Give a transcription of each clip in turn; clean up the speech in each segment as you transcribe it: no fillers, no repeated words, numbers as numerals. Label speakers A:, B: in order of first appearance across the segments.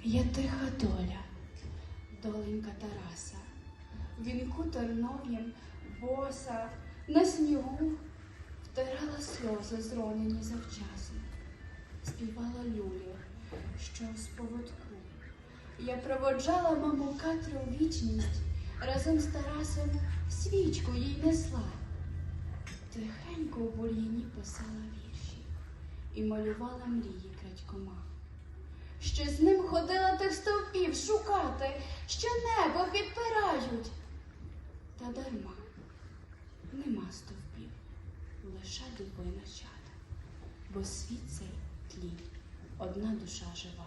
A: Я тиха доля, доленька Тараса, в вінку тернов'єм боса, на снігу втирала сльози, зронені завчасно, співала люлі, що з поводку. Я проводжала маму Катру в вічність, разом з Тарасом свічку їй несла. Тихенько у бур'яні писала вірші і малювала мрії крадькома. Ще з ним ходила тих стовпів шукати, що небо підпирають. Та дарма, нема стовпів, лише дуби нащада, бо світ цей тлі, одна душа жива.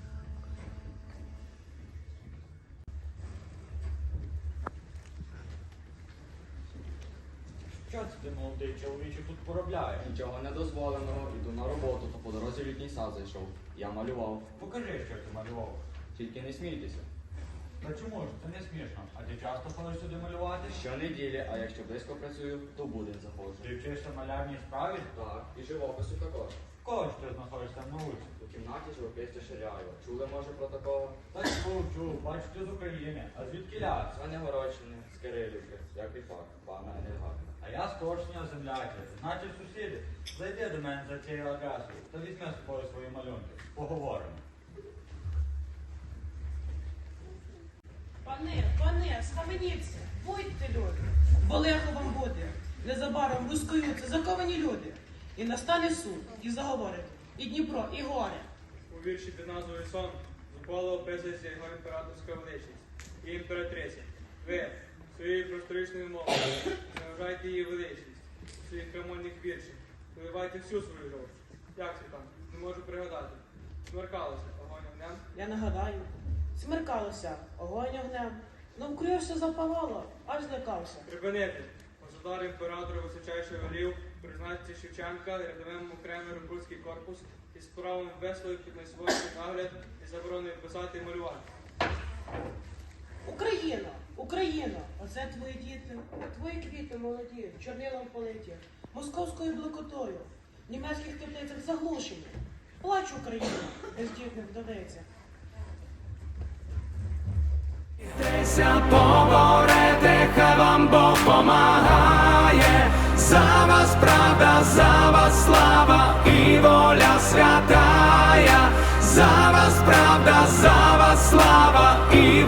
B: Що це ти, молодий чоловіче, тут поробляєш?
C: Нічого недозволеного, іду на роботу, то по дорозі в літній сад зайшов. Я малював.
B: Покажи, що ти малював.
C: Тільки не смійтеся.
B: Та чому ж? Це не смішно. А ти часто ходиш сюди малювати?
C: Щонеділі, а якщо близько працюю, то в будень заходжу.
B: Ти вчишся малярній справі?
C: Так, і живопису також.
B: В кого ж ти знаходишся на вулиці?
C: У кімнаті живописця Ширяєва. Чули, може, про такого?
B: Та чув, бачу, ти з України. А звідки ляс?
C: Звенигородщини, з Кирилівки, як і факт, пана Енергатна.
B: А я з Коршня земляки. Значить, сусіди, зайди до мене за цією адресою та візьми з собою свої малюнки. Поговоримо.
D: Пане, схаменіться, будьте люди, бо лихо вам буде. Незабаром розкоються заковані люди. І настане суд, і заговорить, і Дніпро, і горе.
E: У вірші під назвою «Сон» зухвало описується його імператорська величність і імператриця. Ви своєю просторичною мовою не вважайте її величність у своїх крамольних віршах. Виливайте всю свою жовть. Як це там? Не можу пригадати. Смеркалося, огонь огнем.
D: Я нагадаю, смеркалося, огонь огнем, навкруги запалало, аж злякався.
E: Припинити. Государ імператора височайший велів призначити Шевченка рядовим окремий рекрутський корпус із правом висловив під найсвоєнний нагляд і заборонив писати і малювати.
D: Україна, Україна, оце твої діти, твої квіти молоді, чорнилом политі, московською блокотою, в німецьких теплицях заглушені. Плач Україна, бездітних вдовиця.
F: Поборете, хай вам Бог помагає, за вас правда, за вас слава і воля святая, за вас правда, за вас слава і